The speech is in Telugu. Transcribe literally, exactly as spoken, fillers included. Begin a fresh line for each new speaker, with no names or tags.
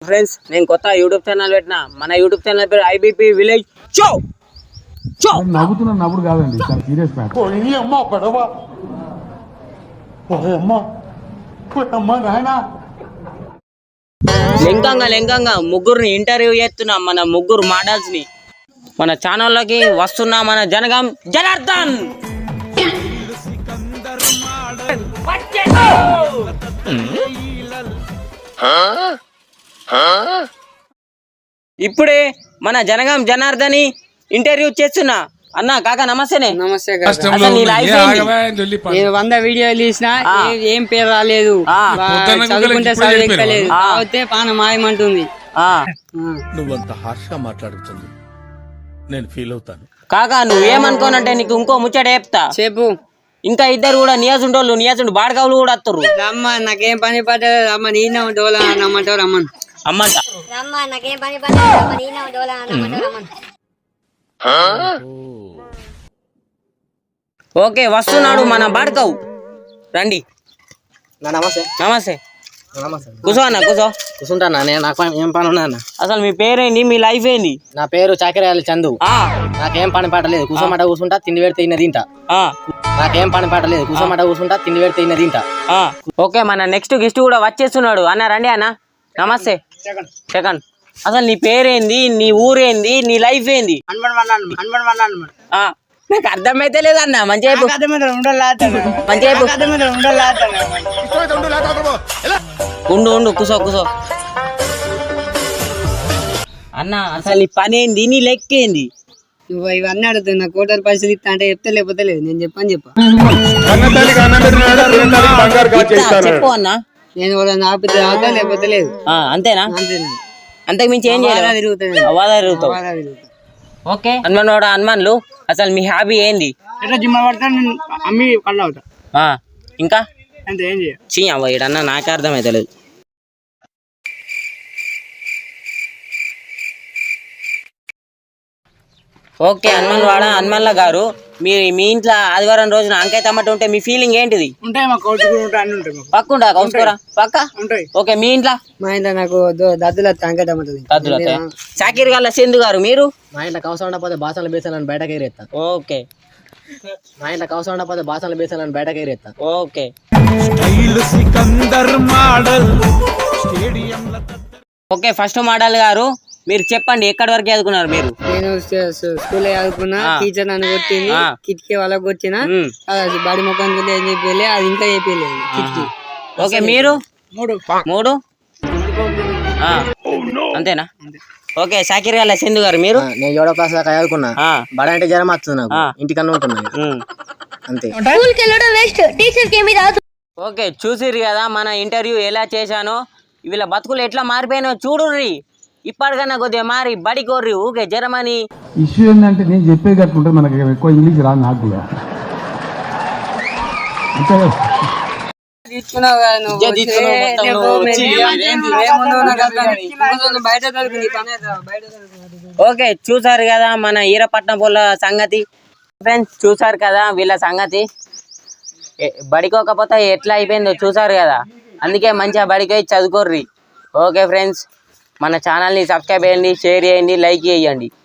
ఫ్రెండ్స్ నేను కొత్త యూట్యూబ్ ఛానల్ పెట్టిన మన యూట్యూబ్ ఛానల్ పేరు ఐబీపీ విలేజ్ షో షో
నవ్వుతున్న నవ్వుడు కాదండి చాలా సీరియస్ మ్యాటర్
పోయి అమ్మ పడవ పోయి అమ్మ పోయి అమ్మ నాయనా
లెంకంగా లెంకంగా ముగ్గురిని ఇంటర్వ్యూ చేస్తున్నా మన ముగ్గురు మోడల్స్ ని మన ఛానల్లోకి వస్తున్నా మన జనగాం జనార్దన్ ఇప్పుడే మన జనగాం జనార్దని ఇంటర్వ్యూ చేస్తున్నా అన్న కాక నమస్తేనే.
నమస్తే వంద వీడియోలు తీసిన ఏం పేరు రాలేదు, చదువుకుంటే చదువు ఎక్కలేదు, కాకపోతే పానం మాయమంటుంది.
నువ్వంత హార్ష్ గా మాట్లాడుతుంది నేను ఫీల్ అవుతాను.
కాకా నువ్వేమనుకోనంటే నీకు ఇంకో ముచ్చట చెప్తా
చెప్పు.
ఇంకా ఇద్దరు కూడా నియాజుండోళ్ళు నియాజుండు బాడకావులు కూడా వస్తారు.
అమ్మ నాకేం పని పడ్డది అమ్మ నీన్న డోలా అమ్మంటారు అమ్మన్
అమ్మంట ఓకే వస్తున్నాడు మన బాడకావు రండి.
నమస్తే
నమస్తే
నమస్తే
కూర్చో అన్న కూర్చో.
కూర్చుంటానా నేను నాకు ఏం పని ఉన్నా అన్న.
అసలు మీ పేరేంటి మీ లైఫ్ ఏంది?
నా పేరు చాకరేయాలి చందు. నాకేం పని పాట లేదు, కూర్చోమాట కూర్చుంటా తిండి పెడితే తిన్న తింటా. నాకేం పని పాట లేదు, కూర్చోమాట కూర్చుంటా తిండి పెడితే తిన్న తింటా.
ఓకే మన నెక్స్ట్ గెస్ట్ కూడా వచ్చేస్తున్నాడు అన్న రండి అన్న. నమస్తే సెకండ్. అసలు నీ పేరేంది, నీ ఊరేంది, నీ లైఫ్ ఏంది? నాకు అర్థమైతే లేదన్న మంచిగా మంచిగా ఉండు ఉండు కూసో కూసో అన్న. అసలు నీ పని ఏంది, నీ లెక్క ఏంది?
నువ్వు ఇవన్నీ అడుగుతున్నా కోటర్ పైసలు ఇస్తా అంటే చెప్తే లేకపోతే లేదు. నేను చెప్పని చెప్పా
చెప్పు అన్న.
నేను ఆపితే ఆగుతా లేకపోతే లేదు.
అంతేనా?
అంతేనా?
అంతకు మించి ఏం చేయాలి? తిరుగుతావు. ఓకే హనుమాన్ వాడు హనుమాన్లు అసలు మీ హాబీ ఏంది?
జిమ్ పడతా అమ్మి కళ్ళు అవుతా.
ఇంకా
అంతే ఏం చేయ
చీయవ్వ ఈడన్నా నాకే అర్థమైతలేదు. ఓకే హనుమాన్ వాడ హనుమాన్ల గారు మీరు మీ ఇంట్లో ఆదివారం రోజున అంకాయ టమాటా ఉంటే మీ ఫీలింగ్ ఏంటిది? పక్కుంటా కౌసుకోరా పక్క ఉంటాయి. ఓకే మీ ఇంట్లో?
మా ఇంట్లో నాకు దద్దుల అంకాయ టమాటా
దద్దుల చాకిరి గల్ల సింధు గారు మీరు?
మా ఇంట్లో కవసం ఉండకపోతే బాసనలు బేసాలని బయటకి ఎగిరేస్తా.
ఓకే
మా ఇంట్లో కవసం ఉండకపోతే బాసనలు బేసాలని బయటకి ఎగిరేస్తా.
ఓకే ఓకే ఫస్ట్ మోడల్ గారు మీరు చెప్పండి ఎక్కడి వరకు చదువుకున్నారు మీరు?
నేను స్కూల్ చదువుకున్నా, టీచర్ నన్ను కొట్టింది, కిటికీ వాళ్ళకి కొట్టిన బడి ముఖం ఏం చెప్పి అది ఇంకా చెప్పలేదు కిటికీ.
ఓకే మీరు? మూడు మూడు అంతేనా? ఓకే షాకిర్ గారు సింధు గారు మీరు?
నేను ఏడో క్లాస్ దాకా చదువుకున్నా, బడ అంటే జ్వరం వస్తుంది నాకు, ఇంటికన్నా ఉంటున్నా అంతే.
ఓకే చూసిర్రు కదా మన ఇంటర్వ్యూ ఎలా చేశానో, వీళ్ళ బతుకులు ఎట్లా మారిపోయినో చూడుర్రి. ఇప్పటికన్నా కొద్దిగా మారి బడి కోర్రి ఊకే జరమని.
ఇష్యూ ఏంటంటే నేను చెప్పేది కట్టుకుంటే మనకి ఎక్కువ ఇంగ్లీష్ రాదు నాకు కూడా.
ఓకే చూసారు కదా మన ఈరపట్నం వాళ్ళ సంగతి. ఫ్రెండ్స్ చూసారు కదా వీళ్ళ సంగతి. బడికోకపోతే ఎట్లా అయిపోయిందో చూసారు కదా. అందుకే మంచిగా బడికి చదువుకోర్రి. ఓకే ఫ్రెండ్స్ మన ఛానల్ని సబ్స్క్రైబ్ చేయండి, షేర్ చేయండి, లైక్ చేయండి.